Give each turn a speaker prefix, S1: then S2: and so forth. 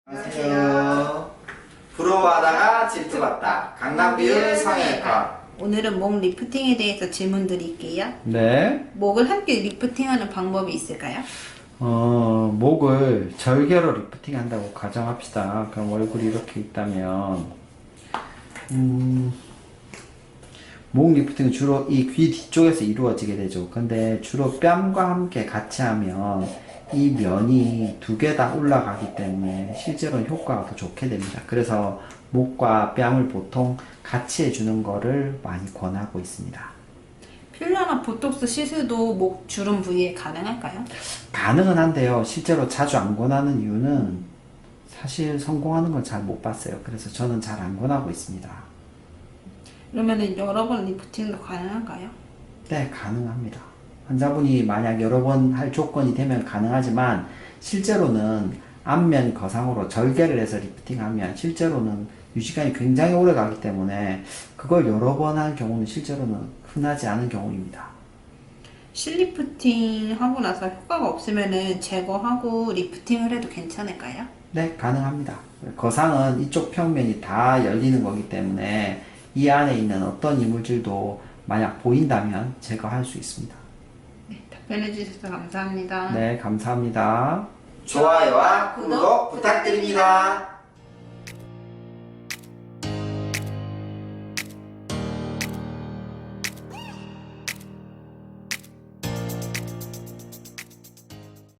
S1: 안녕하세요. 부러워하다가 질투받다. 강남비율 성형외과.
S2: 오늘은 목 리프팅에 대해서 질문 드릴게요.
S3: 네.
S2: 목을 함께 리프팅하는 방법이 있을까요?
S3: 목을 절개로 리프팅 한다고 가정합시다. 그럼 얼굴이 이렇게 있다면, 목 리프팅은 주로 이 귀 뒤쪽에서 이루어지게 되죠. 근데 주로 뺨과 함께 같이 하면 이 면이 두 개 다 올라가기 때문에 실제로는 효과가 더 좋게 됩니다. 그래서 목과 뺨을 보통 같이 해주는 거를 많이 권하고 있습니다.
S2: 필러나 보톡스 시술도 목 주름 부위에 가능할까요?
S3: 가능은 한데요. 실제로 자주 안 권하는 이유는 사실 성공하는 걸 잘 못 봤어요. 그래서 저는 잘 안 권하고 있습니다.
S2: 그러면은 여러 번 리프팅도 가능할까요?
S3: 네, 가능합니다. 환자분이 만약 여러 번 할 조건이 되면 가능하지만 실제로는 앞면 거상으로 절개를 해서 리프팅하면 실제로는 유지간이 굉장히 오래 가기 때문에 그걸 여러 번 한 경우는 실제로는 흔하지 않은 경우입니다.
S2: 실리프팅 하고 나서 효과가 없으면은 제거하고 리프팅을 해도 괜찮을까요?
S3: 네, 가능합니다. 거상은 이쪽 평면이 다 열리는 거기 때문에 이 안에 있는 어떤 이물질도 만약 보인다면 제거할 수 있습니다.
S2: 네, 답변해 주셔서 감사합니다.
S3: 네, 감사합니다.
S1: 좋아요와 구독 부탁드립니다.